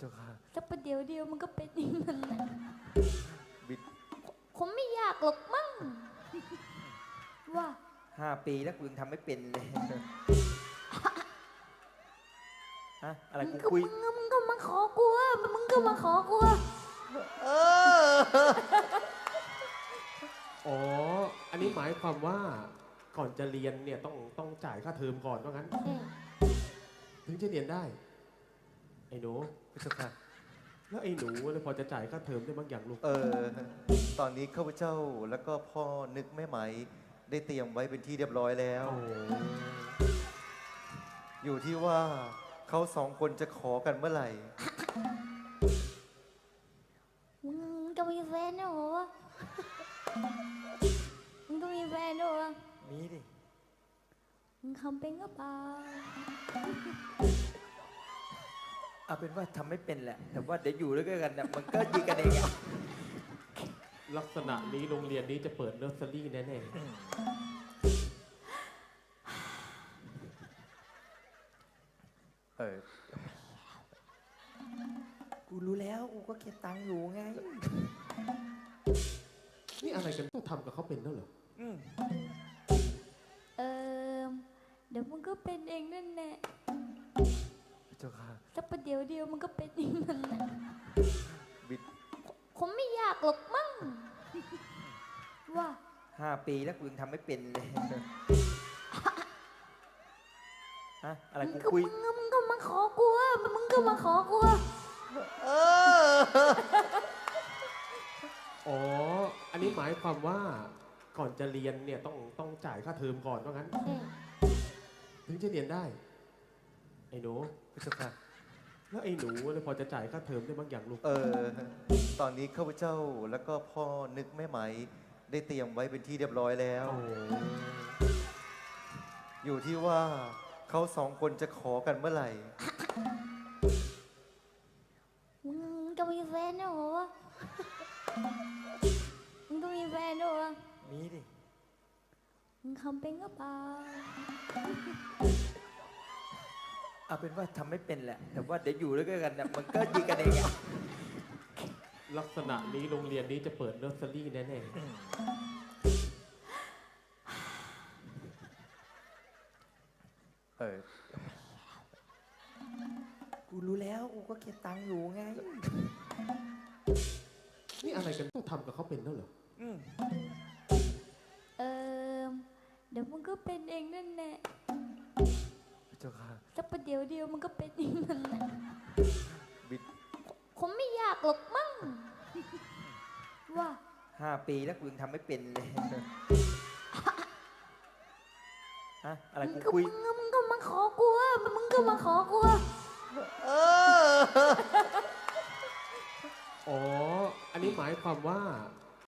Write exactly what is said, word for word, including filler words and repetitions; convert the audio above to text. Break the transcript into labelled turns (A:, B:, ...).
A: จ้าค่ะ
B: สักประเดี๋ยวเดียวมันก็เป็นอย่างนั้นนะ
A: บิด
B: คงไม่ยากหรอกมั้งว่า
A: ห้าปีแล้วกูยังทำไม่เป็นเลยฮะอะไรกูคุย
B: มึงก็มาขอกูอ่ะมึงก็มาขอกูอ่ะ
A: เออ
C: อ๋ออันนี้หมายความว่าก่อนจะเรียนเนี่ยต้องต้องจ่ายค่าเทอมก่อนว่างั้นถึงจะเรียนได้ไอ้หนู
A: เจ้าค่ะ
C: แล้วไอ้หนูพอจะจ่ายค่าเทอมได้บ้างอย่างลูก
A: เออตอนนี้ข้าพเจ้าแล้วก็พ่อนึกแม่ไหมได้เตรียมไว้เป็นที่เรียบร้อยแล้วอยู่ที่ว่าเขาสองคนจะขอกันเมื่อไหร่
B: มึงจะมีแฟนเหรอมึงจะมีแฟนเหรอ
A: มีดิ
B: มึงทำเป็นก็เปล่า
A: เอาเป็นว่าทำไม่เป็นแหละแต่ว่าเดี๋ยวอยู่ด้วยกันเนี่ยมันก็ยิงกันเองอะ
C: ลักษณะนี้โรงเรียนนี้จะเปิดเนอร์เซอรี่แน่ๆ
A: เออกูรู้แล้วกูก็เก็บตังค์อยู่ไง
C: นี่อะไรกันต้องทำกับเขาเป็นแล้วเหรอ
B: เออเดี๋ยวมึงก็เป็นเองนั่นแหละ
A: เจ้าค่ะ
B: สักประเดี๋ยวเดียวมันก็เป็นอย่างนั้นนะ
A: บิด
B: คงไม่ยากหรอกมั้งว่า
A: ห้าปีแล้วกูยังทำไม่เป็นเลยฮะอะไรกูคุย
B: มึงก็มาขอกูอ่ะมึงก็มาขอกูอ่ะ
A: เออ
C: อ๋ออันนี้หมายความว่าก่อนจะเรียนเนี่ยต้องต้องจ่ายค่าเทอมก่อนว่างั้นถึงจะเรียนได้ไอ้หนู
A: เจ้าค่ะ
C: แล้วไอ้หนูพอจะจ่ายค่าเทอมได้บ้างอย่างลูก
A: เออตอนนี้ข้าพเจ้าแล้วก็พ่อนึกแม่ไหมได้เตรียมไว้เป็นที่เรียบร้อยแล้วอยู่ที่ว่าเขาสองคนจะขอกันเมื่อไหร่
B: มึงจะมีแฟนเหรอมึงจะมีแฟนเหรอ
A: มีดิ
B: มึงทำเป็นก็เปล่า
A: เอาเป็นว่าทำไม่เป็นแหละแต่ว่าเดี๋ยวอยู่ด้วยกันเนี่ยมันก็ยิงกันเองอะ
C: ลักษณะนี้โรงเรียนนี้จะเปิดเนอร์เซอรี่แน่ๆ
A: เออกูรู้แล้วกูก็เก็บตังค์อยู่ไง
C: นี่อะไรกันต้องทำกับเขาเป็นแล้วเหรอ
B: เออเดี๋ยวมึงก็เป็นเองนั่นแหละ
A: เจ้าค่ะ
B: สักประเดี๋ยวเดียวมันก็เป็นอย่างนั้นนะ
A: บิด
B: คงไม่ยากหรอกมั้งว่า
A: ห้าปีแล้วกูยังทำไม่เป็นเลยฮะอะไรกูคุย
B: มึงก็มาขอกูอ่ะมึงก็มาขอกูอ่ะ
A: เออ
C: อ๋ออันนี้หมายความว่า